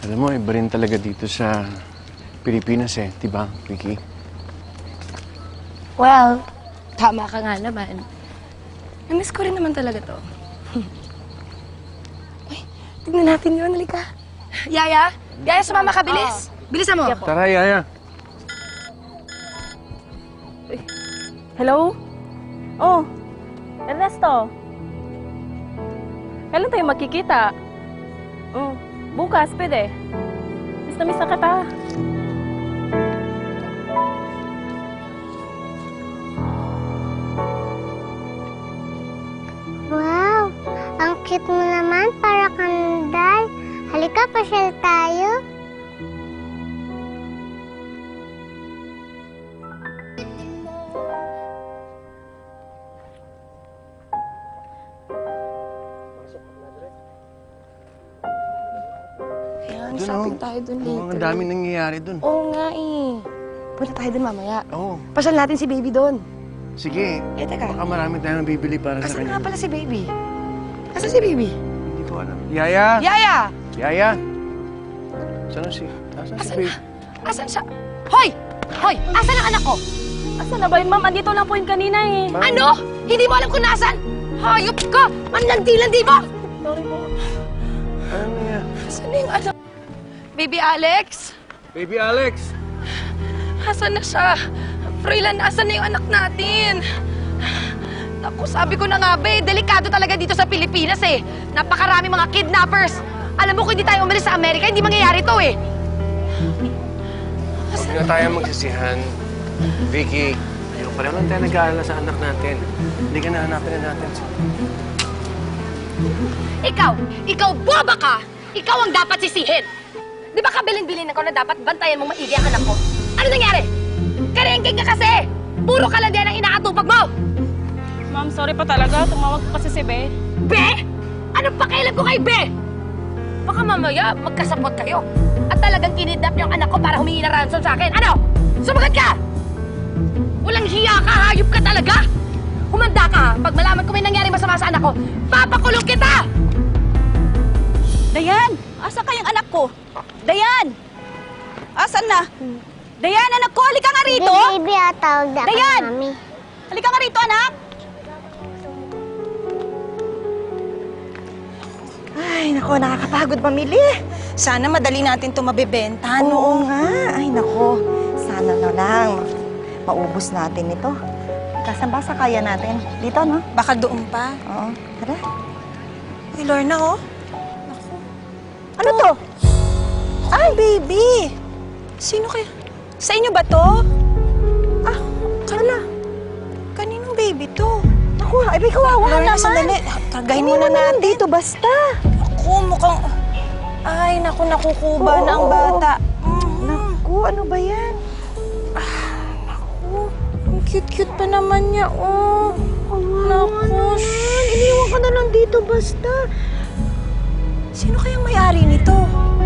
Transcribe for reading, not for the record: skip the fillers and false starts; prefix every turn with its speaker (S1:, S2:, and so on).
S1: Alam mo, iba rin talaga dito sa Pilipinas eh, di ba, Vicky?
S2: Well, tama ka nga naman. Namiss ko rin naman talaga to. Uy, tignan natin yun. Halika. Yaya? Yaya, sumama ka. Bilis. Bilisan mo.
S1: Tara, Yaya.
S3: Hello? Oh, Ernesto. Kailan tayo magkikita? Oh, bukas, pwede. Miss na kita.
S4: Wow! Ang cute mo naman, para kang doll. Halika, pasyal tayo.
S2: Ayan,
S1: Dun,
S2: shopping
S1: oh.
S2: tayo dun
S1: Oo,
S2: later.
S1: ang daming nangyayari dun.
S2: Oo nga eh. Punta tayo dun mamaya.
S1: Oo.
S2: Pasyal natin si baby dun.
S1: Sige.
S2: Eh, teka.
S1: Baka marami tayong bibili para sa
S2: Asan
S1: kanya.
S2: nga pala si baby? Asan si baby?
S1: Hindi ko alam. Yaya!
S2: Yaya!
S1: Yaya! Saan si baby?
S2: Asan siya? Hoy! Hoy! Asan ang anak ko?
S3: Asan na ba yun, ma'am? Andito lang po yung kanina eh.
S1: Ma'am.
S2: Ano? Hindi mo alam kung nasan? Hayop ka! Manlandi-landi mo!
S3: Sorry po.
S1: Ano nangyayari?
S2: Asan na yung anak? Baby Alex?
S1: Baby Alex!
S2: Asan na siya? Froilan, asan na yung anak natin? Naku, sabi ko na nga ba eh, delikado talaga dito sa Pilipinas eh. Napakarami mga kidnappers. Alam mo, kung hindi tayo umalis sa Amerika, hindi mangyayari to eh.
S1: Huwag na tayo magsisihan. Vicky, ayaw pa naman tayo nag-aalala sa anak natin. Hindi ka nahanapin na natin.
S2: Ikaw boba ka! Ikaw ang dapat sisihin! Di ba kabilin-bilin ako na dapat bantayan mong maigi ang anak ko? Ano nangyari? Karengking ka kasi! Puro ka lang din ang inaatupag mo!
S3: Ma'am, sorry pa talaga. Tumawag ko kasi si Be.
S2: Be? Anong pakialam ko kay Be? Baka mamaya magkasapot kayo at talagang kinidnap niyo ang anak ko para humingi ng ransom sa akin. Ano? Sumagot ka! Walang hiya ka, hayop ka talaga! Humanda ka ha, pag malaman ko may nangyari masama sa anak ko, papakulong kita!
S5: Dayan! Asa kayang anak ko? Dayan! Asan na? Dayan, anak ko! Halika nga rito!
S4: Baby, tawag na ka,
S5: Dayan!
S4: mami.
S5: Halika nga rito, anak! Ay, nako, nakakapagod mamili. Sana madali natin ito mabibenta, no?
S6: Oo nga. Ay, nako. Sana na lang maubos natin ito. Kasan ba sa kaya natin? Dito, no?
S5: Baka doon pa.
S6: Oo. Tara.
S5: Uy, Lorna, oh.
S6: Ano to?
S5: Ay, baby! Sino kaya? Sa inyo ba to? Ah, Carla. Kaninong baby to?
S6: Naku, ay, may kawawa
S5: Lorna,
S6: naman.
S5: sandali. Kargahin
S6: Hindi
S5: muna
S6: naman
S5: natin.
S6: dito, basta.
S5: Ako, mukhang... Ay, naku, nakukuba
S6: Oo,
S5: na ang
S6: oo.
S5: bata.
S6: Naku, ano ba yan?
S5: Ang cute-cute pa naman niya, oh. Naku,
S6: Iniwan ka na lang dito, basta.
S5: Sino kayang may-ari nito?